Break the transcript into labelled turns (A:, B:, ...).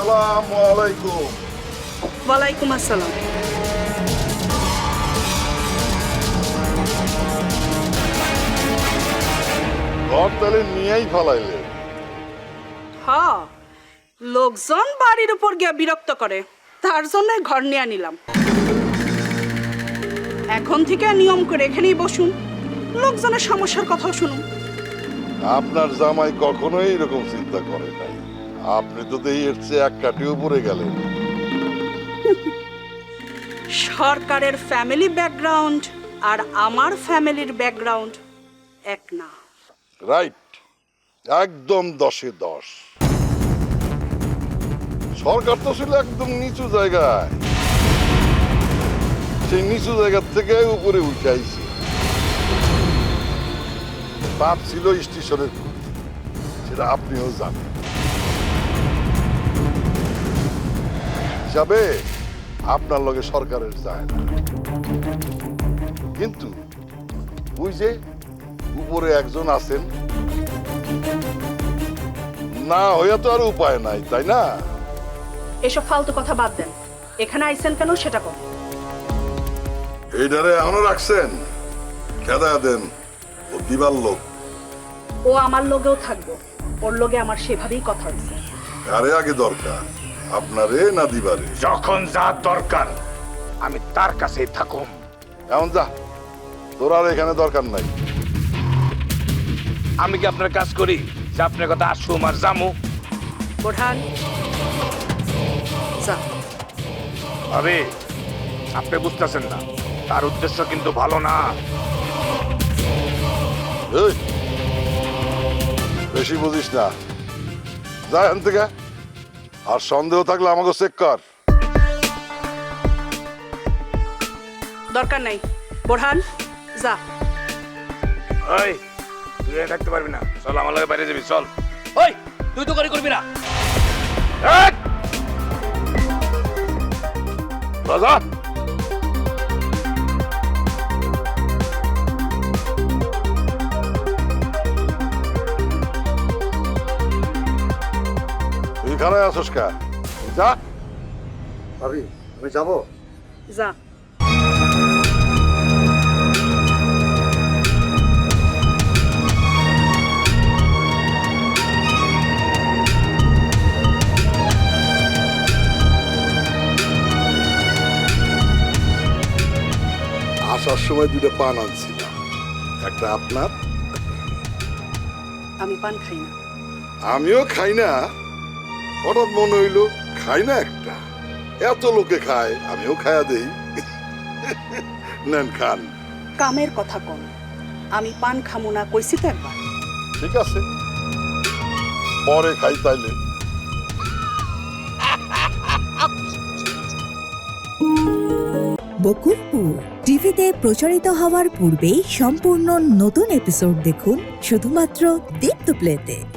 A: আসসালামু আলাইকুম।
B: ওয়ালাইকুম আসসালাম।
A: ঘর তাহলে নিয়েই ফেলাইলে?
B: হ্যাঁ, লোকজন বাড়ির উপর গিয়ে বিরক্ত করে, তার জন্য ঘর নিয়ে নিলাম। এখন থেকে নিয়ম করে এখানেই বসুন, লোকজনের সমস্যার কথাও শুনুন।
A: আপনার জামাই কখনোই এরকম চিন্তা করে নাই। আপনি তো দেখি এর চেয়ে এক কাঠি উপরে গেলেন।
B: সরকারের ফ্যামিলি ব্যাকগ্রাউন্ড আর আমার ফ্যামিলির ব্যাকগ্রাউন্ড এক না।
A: রাইট, একদম 10-এ 10। সরকার তো ছিল একদম নিচু জায়গায়, সেই নিচু জায়গা থেকে উপরে উঠে আইছে। বাপ ছিল স্টেশনের খুঁটি, সেটা আপনিও জানেন। হিসাবে আপনার লগে সরকারের যায় না, কিন্তু ওই যে উপরে একজন আছেন, না হইয়া তো আর উপায় নাই, তাই না?
B: এসব ফালতু কথা বাদ দেন, এখানে আইছেন কেন সেটা কম।
A: এইটারে এখনো রাখছেন? খেদা দেন, ও দিবার লোক।
B: ও আমার লগেও থাকবো, ওর লগে আমার সেভাবেই কথা হয়েছে।
A: আরে আগে দরকার আপনারে না দিবারে?
C: যখন যা দরকার আমি তার কাছেই থাকুম।
A: এমন যা, তোর আর এখানে দরকার নাই।
C: আমি কি আপনার কাজ করি যে আপনার কথা আসুম আর জামু?
B: বোরহান, যা।
C: আরে আপনি বুঝতেছেন না, তার উদ্দেশ্য কিন্তু ভালো না।
A: এই, বেশি বুঝিস না, যা এখান থেকে। আর সন্দেহ থাকলে আমাকে চেক কর।
B: দরকার নাই, বোরহান যা।
C: ওই তুই এখানে থাকতে পারবি না, চল আমার লগে বাইরে যাবি, চল। ওই তুই তো গাড়ি করবি না। এই! রাজা,
A: তুই এখানে আসোস কা? যা।
D: ভাবি, আমি যাবো?
B: যা।
A: আসার সময় দুটো পান আনছিলাম, একটা আপনার।
B: আমি পান খাই না।
A: আমিও খাই না, হঠাৎ মনে হইলো খাই না একটা। এত লোকে খায়, আমিও খায়া দেই। নেন খান।
B: কামের কথা কম, আমি পান খামু না কইছি তো একবার।
A: ঠিক আছে, পরে খাই তাইলে।
E: বকুলপুর টিভিতে প্রচারিত হওয়ার পূর্বেই সম্পূর্ণ নতুন এপিসোড দেখুন শুধুমাত্র দীপ্ত প্লেতে।